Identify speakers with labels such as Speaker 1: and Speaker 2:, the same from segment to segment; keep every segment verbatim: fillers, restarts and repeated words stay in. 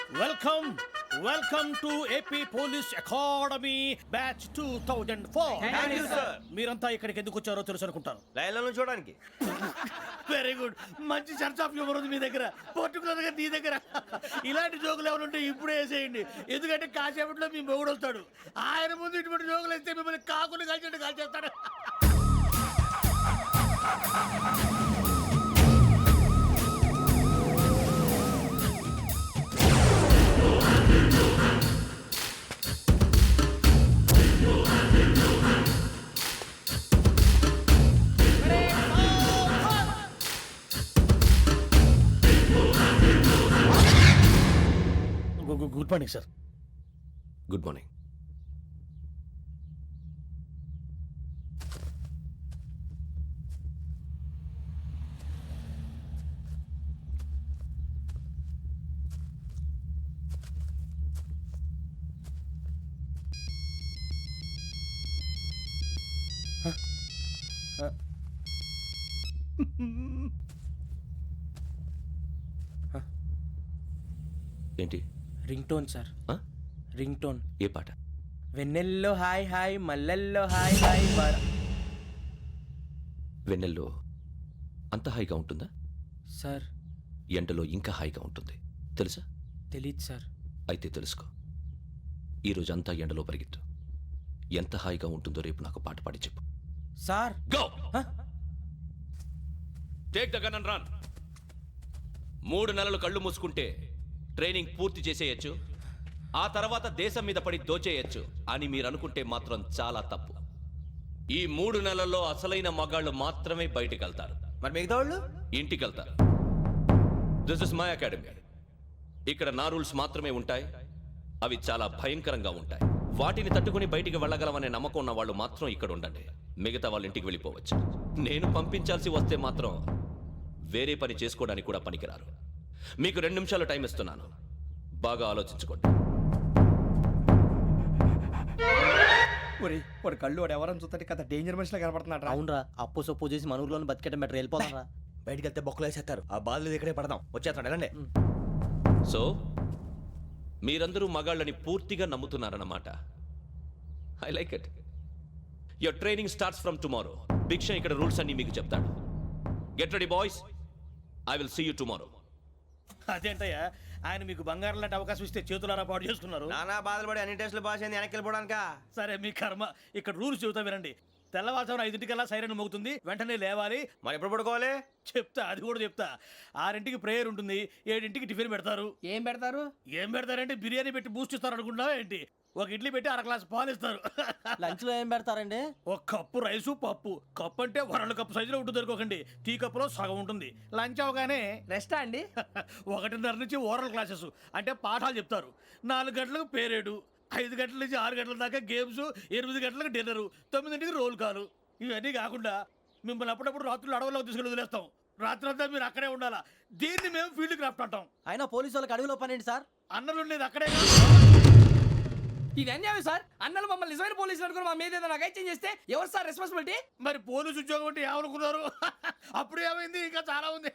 Speaker 1: Welcome welcome to AP police academy batch two thousand four. మీరంతా ఇక్కడికి ఎందుకు వచ్చారో తెలుసు అనుకుంటాను.
Speaker 2: లైన్లను చూడడానికి.
Speaker 1: వెరీ గుడ్, మంచి చర్చ్ ఆఫ్ హ్యూమర్ ఉంది మీ దగ్గర, పర్టికులర్ గా నీ దగ్గర. ఇలాంటి జోకులు ఏమైనా ఉంటే ఇప్పుడే వేసేయండి, ఎందుకంటే కాసేపట్లో మీ మొగుడు వస్తాడు. ఆయన ముందు ఇటువంటి జోకులు వేస్తే మిమ్మల్ని కాకుండా కాల్చేట్టు కాల్చేస్తాడు. Good morning sir.
Speaker 2: Good morning. ఏంటి?
Speaker 3: Ring tone sir. Ring tone.
Speaker 2: ఏ పాట?
Speaker 3: వెన్నెల్లో హాయ్ హాయ్ మల్లెల్లో హాయ్ హాయ్ వర.
Speaker 2: వెన్నెల్లో అంత హాయిగా ఉంటుందా
Speaker 3: సార్?
Speaker 2: ఎండలో ఇంకా హాయిగా ఉంటుంది తెలుసా?
Speaker 3: తెలీదు సార్.
Speaker 2: అయితే తెలుసుకో, ఈరోజు అంతా ఎండలో పరిగెత్తు. ఎంత హాయిగా ఉంటుందో రేపు నాకు పాట పాడి చెప్పు.
Speaker 3: Sir
Speaker 2: go take the gun and run. మూడు నెలలు కళ్ళు మూసుకుంటే ట్రైనింగ్ పూర్తి చేసేయచ్చు, ఆ తర్వాత దేశం మీద పడి దోచేయచ్చు అని మీరు అనుకుంటే మాత్రం చాలా తప్పు. ఈ మూడు నెలల్లో అసలైన మగాళ్ళు మాత్రమే బయటికి వెళ్తారు.
Speaker 4: మరి మిగతా వాళ్ళు
Speaker 2: ఇంటికి వెళ్తారు. This is my academy. ఇక్కడ నా రూల్స్ మాత్రమే ఉంటాయి, అవి చాలా భయంకరంగా ఉంటాయి. వాటిని తట్టుకుని బయటికి వెళ్ళగలమనే నమ్మకం ఉన్న వాళ్ళు మాత్రం ఇక్కడ ఉండండి, మిగతా వాళ్ళు ఇంటికి వెళ్ళిపోవచ్చు. నేను పంపించాల్సి వస్తే మాత్రం వేరే పని చేసుకోవడానికి కూడా పనికిరారు. మీకు రెండు నిమిషాలు టైం ఇస్తున్నాను, బాగా ఆలోచించుకోండి.
Speaker 4: ఒరేయ్, వాడు కళ్ళు వాడు ఎవరని చూస్తే కదా డేంజర్ మనిషిలో కనపడుతున్నాడు.
Speaker 3: అవునరా, అప్పు సొప్పు చేసి మన ఊర్లో బతికేయడం బెటర్. వెళ్ళిపోతారా?
Speaker 4: బయటికి వెళ్తే బొక్కలు వేసేస్తారు. ఆ బాధలు ఇక్కడే పడదాం. వచ్చేస్తాడు వెళ్ళండి.
Speaker 2: సో మీరందరూ మగాళ్ళని పూర్తిగా నమ్ముతున్నారన్నమాట. I like it. Your training starts from tomorrow. Bhiksha ఇక్కడ రూల్స్ అన్ని మీకు చెప్తాడు. Get ready boys, I will see you tomorrow.
Speaker 1: అదేంటయ్యా, ఆయన మీకు బంగారం లాంటి అవకాశం ఇస్తే చేతులారా పాటు చేసుకున్నారు.
Speaker 4: నానా బాధలు పడి అన్ని టెస్టులు పాస్ అయింది, వెనక్కి వెళ్ళిపోవడానికా?
Speaker 1: సరే మీ కర్మ. ఇక్కడ రూల్స్ చెబుతా వినండి. తెల్లవారుజామున ఐదింటికల్లా సైరన్ మోగుతుంది, వెంటనే లేవాలి.
Speaker 4: మరి ఎప్పుడు పడుకోవాలి?
Speaker 1: చెప్తా, అది కూడా చెప్తా. ఆరింటికి ప్రేయర్ ఉంటుంది, ఏడింటికి టిఫిన్ పెడతారు.
Speaker 3: ఏం పెడతారు?
Speaker 1: ఏం పెడతారంటే బిర్యానీ పెట్టి బూస్ట్ ఇస్తారు అనుకుంటున్నావా ఏంటి? ఒక ఇడ్లీ పెట్టి అర గ్లాస్ పాలు ఇస్తారు.
Speaker 3: లంచ్ లో ఏం పెడతారండి?
Speaker 1: ఒక కప్పు రైసు పప్పు. కప్పు అంటే వరల్డ్ కప్పు సైజులో ఉంటుంది అనుకోకండి, టీ కప్పులో సగం ఉంటుంది. లంచ్ అవగానే
Speaker 3: రెస్టా అండి?
Speaker 1: ఒకటిన్నర నుంచి ఓరల్ క్లాసెస్ అంటే పాఠాలు చెప్తారు. నాలుగు గంటలకు పేరేడు, ఐదు గంటల నుంచి ఆరు గంటల దాకా గేమ్స్, ఎనిమిది గంటలకు డిన్నరు, తొమ్మిదింటికి రోల్ కాలు. ఇవన్నీ కాకుండా మిమ్మల్ని అప్పుడప్పుడు రాత్రులు అడవుల్లో తీసుకెళ్ళి వదిలేస్తాం. రాత్రి అంతా మీరు అక్కడే ఉండాలా. దీన్ని మేము ఫీల్డ్ క్రాఫ్ట్ అంటాం.
Speaker 3: అయినా పోలీసు వాళ్ళకి అడవిలో పని ఏంటి సార్?
Speaker 1: అన్నలు ఉండేది అక్కడే.
Speaker 5: ఇది అన్యాయం సార్. అన్నలు మమ్మల్ని నిజమైన పోలీసులు అనుకుని మా మీద ఏదైనా నగైత్యం చేస్తే ఎవరు సార్ రెస్పాన్సిబిలిటీ?
Speaker 1: మరి పోలీసు ఉద్యోగం అంటే ఏమనుకున్నారు? అప్పుడు ఏమైంది, ఇంకా చాలా ఉంది.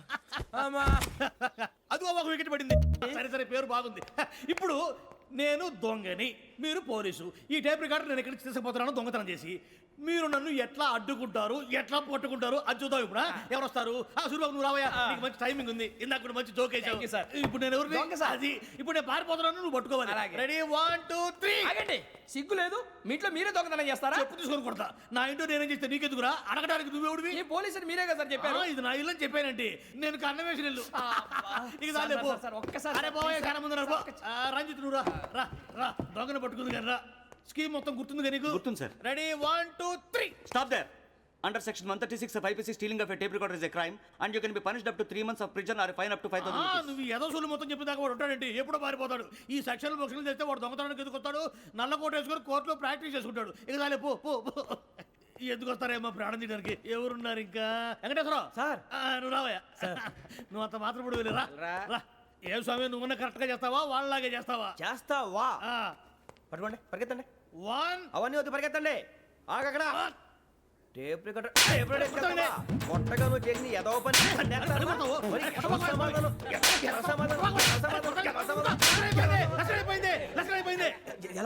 Speaker 1: అది ఒక వికెట్ పడింది. సరే సరే, పేరు బాగుంది. ఇప్పుడు నేను దొంగని, మీరు పోలీసు. ఈ టైప్ రికార్డు నేను ఎక్కడికి తీసుకుపోతున్నాను దొంగతనం చేసి. మీరు నన్ను ఎట్లా అడ్డుకుంటారు, ఎట్లా పట్టుకుంటారు అది చూద్దాం. ఇప్పుడు ఎవరు వస్తారు? సూర్యబాబు నువ్వు రావయ్యా, నీకు మంచి టైమింగ్ ఉంది. ఇందాక కూడా మంచి జోక్ వేసావు సార్. ఇప్పుడు నేను ఎవరు? అది ఇప్పుడు నేను పారిపోతున్నాను, నువ్వు పట్టుకోవాలి. Ready, one two three.
Speaker 5: ఆగండి, సిగ్గు లేదు? మీ ఇంట్లో మీరే దొంగతనం చేస్తారా?
Speaker 1: చెప్పు తీసుకొని కొడతా. నా ఇంట్లో నేనేం చేస్తే నీకెందుకురా? అడగడానికి నువ్వెవడివి?
Speaker 5: ఈ పోలీసులు మీరే కదా సార్ చెప్పారు.
Speaker 1: ఇది నా ఇల్లు అని చెప్పానంటే నేను కన్న వేసిన ఇల్లు.
Speaker 5: ఒక్కసారి
Speaker 1: రంజిత్ నువ్వు రా రా రా. దొంగను పట్టుకుంది కానీ రా. స్కీమ్ మొత్తం గుర్తుంది కానీ నీకు?
Speaker 6: గుర్తుంది sir.
Speaker 1: Ready, one two three.
Speaker 6: Stop there. Under section one thirty-six of I P C, stealing of a tape recorder is a crime and you can be punished up to three months of prison or a fine up to five thousand rupees.
Speaker 1: నువ్వు ఏదో సొల్లు మొత్తం చెప్పిన దాకా వాడు ఉంటాడంటే ఎప్పుడో పారిపోతాడు. ఈ సెక్షన్లు బొక్షన్లు చేస్తే వాడు దొంగతనానికి ఎందుకు వస్తాడు? నల్ల కోట వేసుకొని కోర్టులో ప్రాక్టీస్ చేసుకుంటాడు. ఇక చాలే, పో పో. ఎందుకు వస్తారేమో ప్రాణం తీయడానికి. ఎవరున్నారు ఇంకా? వెంకటేశ్వరరావు
Speaker 4: సార్.
Speaker 1: నువ్వు రావయ్యా. నువ్వు అంత మాత్రం ఇప్పుడు వెళ్ళి రా. ఏ స్వామి, నువ్వున్న కరెక్ట్ గా చేస్తావా వాళ్ళలాగే చేస్తావా?
Speaker 4: చేస్తావా? పట్టుకోండి, పరిగెత్తండి.
Speaker 1: వన్.
Speaker 4: అవన్నీ వద్దు, పరిగెత్తండి. ఆగక్కడ టేప్ రికార్డర్ కొట్టగా నువ్వు చేసి ఏదో పని.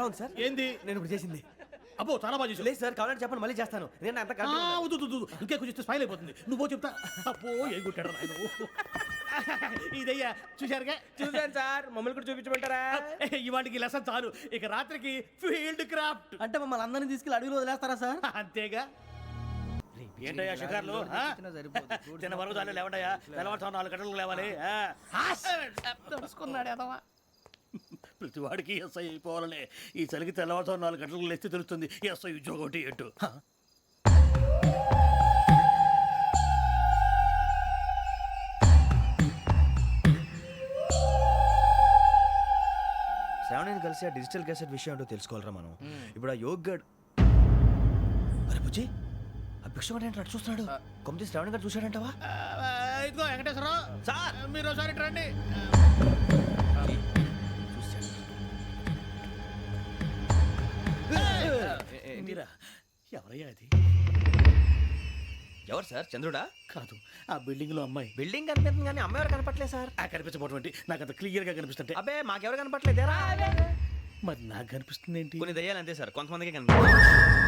Speaker 4: ఉంది సార్
Speaker 1: ఏంది
Speaker 4: నేను ఇప్పుడు చేసింది
Speaker 1: అబ్బో చాలా బాగా చేసావు.
Speaker 4: లేదు సార్ కావాలంటే చెప్పండి మళ్ళీ చేస్తాను నేను అంత
Speaker 1: ఆ, వద్దు, వద్దు, వద్దు. ఇంకే కొంచెం స్మైల్ అయిపోతుంది నువ్వు పో చెప్తా. అబ్బో ఏం కొట్టాడు నాయన. ఇదయ్యా చూశారుగా.
Speaker 3: చూసాను సార్ మమ్మల్ని కూడా చూపించమంటారా?
Speaker 1: ఇవాటికి లెసన్ చాలు, ఇక రాత్రికి ఫీల్డ్ క్రాఫ్ట్.
Speaker 3: అంటే మమ్మల్ని అందరినీ తీసుకెళ్ళి అడుగులు వదిలేస్తారా సార్?
Speaker 1: అంతేగా. ఏంటయ్యా షికార్లు? ఆ? చిన్న వరకు చాలు లేవండయ్యా. తెల్లవారుతో నాలుగు గంటలకు లేవాలి. ఆ? తెలుసుకున్నాడు ఎదవా. ప్రతి వాడికి ఎస్ఐ అయిపోవాలనే ఈ చలికి తెల్లవారుతో నాలుగు గంటలకు లేస్తే తెలుస్తుంది ఎస్ఐ ఉద్యోగం ఒకటి ఎటు.
Speaker 4: శ్రావణిని కలిసి ఆ డిజిటల్ క్యాసెట్ విషయం ఏంటో తెలుసుకోవాలరా మనం. ఇప్పుడు ఆ యోగ్ గడ్ అరే బుజ్జి ఆ భిక్షం అంటే అటు చూస్తున్నాడు. కొమ్మతి శ్రావణి గారు చూశాడంటావా?
Speaker 1: ఆ, ఇదిగో వెంకటేశ్వరరావు సార్, మీరు ఒకసారి ఇటు రండి. మీరా? ఎవరయ్యా అది?
Speaker 4: ఎవరు సార్? చంద్రుడా?
Speaker 1: కాదు, ఆ బిల్డింగ్ లో అమ్మాయి.
Speaker 4: బిల్డింగ్ కనిపిస్తుంది కానీ అమ్మ ఎవరు కనపట్లేదు సార్.
Speaker 1: ఆ కనిపించబోటువంటి నాకు అంత క్లియర్ గా కనిపిస్తుంటే.
Speaker 4: అబ్బే మాకెవరు కనపట్లేదేరా?
Speaker 1: మరి నాకు కనిపిస్తుంది ఏంటి?
Speaker 4: కొన్ని దయ్యాలు అంతే సార్, కొంతమందికి కనిపిస్తుంది.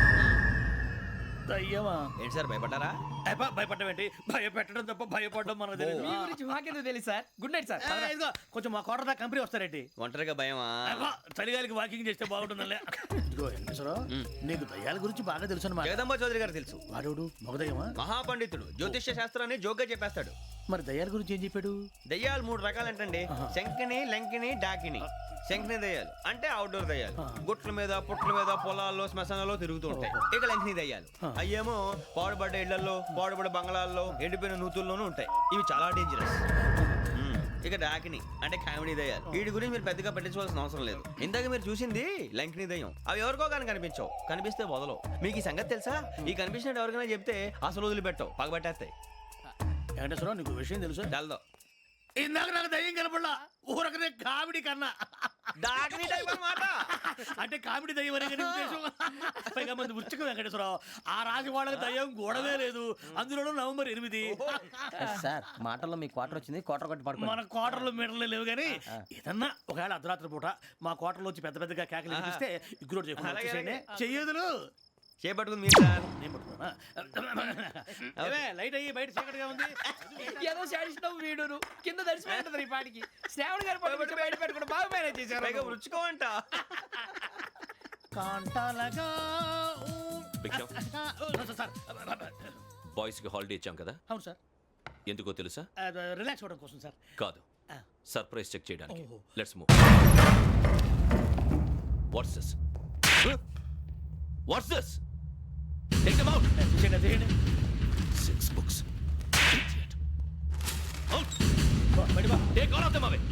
Speaker 1: అయ్యమా
Speaker 4: ఏంటి సార్ భయపడ్డారా?
Speaker 1: భయపడడం ఏంటి? భయపెట్టడం తప్ప భయపడడం మనకు తెలియదు.
Speaker 5: మీ గురించి మాకెందుకు తెలుసు సార్? Good night sir.
Speaker 1: ఆ, ఇదిగో కొంచెం మా కోట దాకా కంపెనీ వస్తారేంటి?
Speaker 4: ఒంటరిగా భయమా?
Speaker 1: అబ్బా, చలిగాలికి వాకింగ్ చేస్తే బాగుంటుందిలే. ఇదిగో వెంకటేశ్వరరావు, నీకు దయ్యాల గురించి బాగా తెలుసు అన్నమాట.
Speaker 4: జగదంబ చౌదరి గారు తెలుసు.
Speaker 1: వాడోడు మగదయ్యమా?
Speaker 4: మహాపండితుడు, జ్యోతిష్య శాస్త్రాన్ని జోగ్గా చెప్పేస్తాడు.
Speaker 1: మరి దయ్యాల గురించి ఏం చెప్పాడు?
Speaker 4: దయ్యాలు మూడు రకాలంటండి, శంకిని, లంకిని, డాకిని. శంకిని దయ్యాలు అంటే అవుట్డోర్ దయ్యాలు, గుట్ల మీద పుట్ల మీద పొలాల్లో శ్మశానాల్లో తిరుగుతూ ఉంటాయి. ఇక లంకిని దయ్యాలు అయ్యేమో పాడుబడ్డ ఇళ్లలో పాడుబడ్డ బంగ్లాల్లో ఎండిపోయిన నూతుల్లోనూ ఉంటాయి. ఇవి చాలా డేంజరస్. ఇక డాకిని అంటే కామెడీ దయ్యాలు. వీటి గురించి మీరు పెద్దగా పట్టించుకోవాల్సిన అవసరం లేదు. ఇందాక మీరు చూసింది లంకిని దయ్యం. అవి ఎవరికో కానీ కనిపించవు, కనిపిస్తే వదలవు. మీకు ఈ సంగతి తెలుసా? ఈ కనిపించినట్టు ఎవరికైనా చెప్తే అసలు వదిలిపెట్టవు, పగబట్టేస్తాయి.
Speaker 1: వెంకటేశ్వరరావు, నీకు విషయం తెలుసు?
Speaker 4: డల్దో
Speaker 1: ఇందాక నాకు దయ్యం కనపడలా, ఊరకనే కామెడీ కన్నా.
Speaker 4: డాకిని టైప్ అన్నమాట.
Speaker 1: అంటే కామెడీ దయ్యం అనే కదా ఉద్దేశం. పైగా మంది ఉచ్చకం వెంకటేశ్వరరావు. ఆ రాజు వాళ్ళకి దయ్యం గొడవే లేదు, అందులోనూ నవంబర్ ఎనిమిది.
Speaker 3: సార్ మాటల్లో మీ క్వార్టర్ వచ్చింది, క్వార్టర్ కొట్టి పడుకో.
Speaker 1: మన కోటర్లు మీటర్లు లేవు కానీ ఏదన్నా ఒకవేళ అర్ధరాత్రి పూట మా కోటర్లో వచ్చి పెద్ద పెద్దగా కేకలు వినిపిస్తే ఇగ్గురు చెప్పండి చెయ్యదులు
Speaker 4: చేపట్టుకుంది మీరు సార్.
Speaker 1: నేను పట్టుకున్నా. ఏమే, లైట్ అయ్యి బయట చీకటిగా ఉంది.
Speaker 5: ఏదో శాడిస్తావు వీడును కింద దర్శనం ఈ పాటికి. శ్రావణ్ గారు పట్టుబట్టి బయట పెట్టుకుంటే బాగా మేనేజ్ చేశారు.
Speaker 4: పైగా రుచుకోమంట.
Speaker 1: కాంటాలగా
Speaker 2: భిక్షం,
Speaker 1: సార్.
Speaker 2: బాయ్స్ కి హాలిడే ఇచ్చాం కదా,
Speaker 1: అవును సార్.
Speaker 2: ఎందుకో తెలుసా?
Speaker 1: రిలాక్స్ అవ్వడం కోసం సార్.
Speaker 2: కాదు, సర్ప్రైజ్ చెక్ చేయడానికి.
Speaker 1: ఓహో.
Speaker 2: Let's move. What's this? What's this? Take them out.
Speaker 1: తీసేయండి, తీసేయండి.
Speaker 2: Six books. Idiot. Out.
Speaker 1: బా, బయట బా.
Speaker 2: Take all of them away.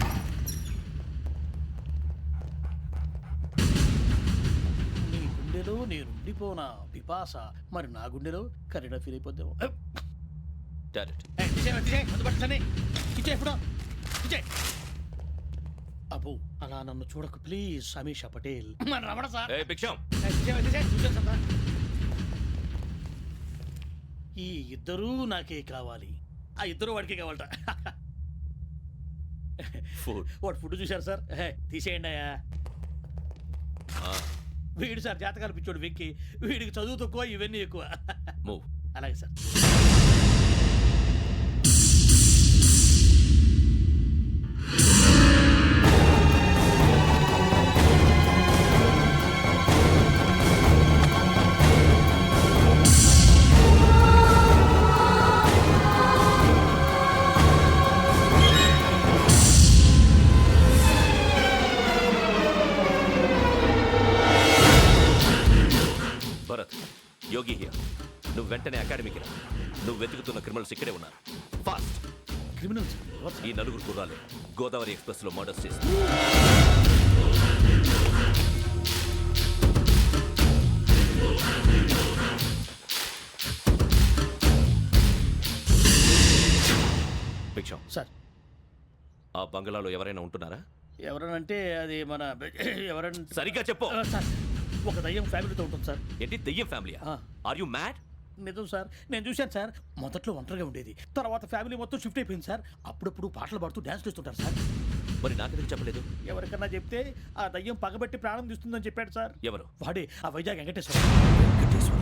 Speaker 1: నీ గుండెలో నేను ఉండిపోనా పిపాస, మరి నా గుండెలో కరీడా ఫీల్ అయిపోద్దాము.
Speaker 2: Got it.
Speaker 1: అబ్బో, అలా నన్ను చూడకు ప్లీజ్ సమీషా పటేల్. మన రమణ సార్.
Speaker 2: Hey, Biksham.
Speaker 1: ఈ ఇద్దరూ నాకే కావాలి, ఆ ఇద్దరు వాడికే కావాలట.
Speaker 2: Food.
Speaker 1: వాడు ఫుడ్ చూశారు సార్. హే, తీసేయండి అయ్యా.
Speaker 2: Ah,
Speaker 1: వీడు సార్ జాతకాలు పిచ్చోడు వెక్కి, వీడికి చదువు తక్కువ ఇవన్నీ ఎక్కువ.
Speaker 2: move.
Speaker 1: అలాగే సార్.
Speaker 2: Bharat, Yogi here. నువ్వు వెంటనే అకాడమీకి రా. నువ్వు వెతుకుతున్న క్రిమినల్స్ ఇక్కడే ఉన్నారు. ఫాస్ట్.
Speaker 1: క్రిమినల్స్
Speaker 2: ఈ నలుగురు గుర్రాలు గోదావరి ఎక్స్ప్రెస్ లో మర్డర్స్ చేసి భిక్షం,
Speaker 1: సార్.
Speaker 2: ఆ బంగ్లాలో ఎవరైనా ఉంటున్నారా?
Speaker 1: ఎవరనంటే అది మన ఎవరంటే
Speaker 2: సరిగ్గా చెప్పు.
Speaker 1: ఆ, సార్, ఒక దయ్యం ఫ్యామిలీతో ఉంటుంది సార్.
Speaker 2: ఏంటి దెయ్యం ఫ్యామిలీ?
Speaker 1: ఆ.
Speaker 2: Are you mad?
Speaker 1: నిజం సార్, నేను చూశాను సార్. మొదట్లో ఒంటరిగా ఉండేది, తర్వాత ఫ్యామిలీ మొత్తం షిఫ్ట్ అయిపోయింది సార్. అప్పుడప్పుడు పాటలు పాడుతూ డ్యాన్స్ చేస్తుంటారు సార్.
Speaker 2: మరి నాకెందుకు చెప్పలేదు?
Speaker 1: ఎవరికన్నా చెప్తే ఆ దయ్యం పగబెట్టి ప్రాణం తీస్తుందని చెప్పాడు సార్.
Speaker 2: ఎవరు?
Speaker 1: వాడే ఆ వైజాగ్ వెంకటేశ్వర.
Speaker 2: వెంకటేశ్వరరావు.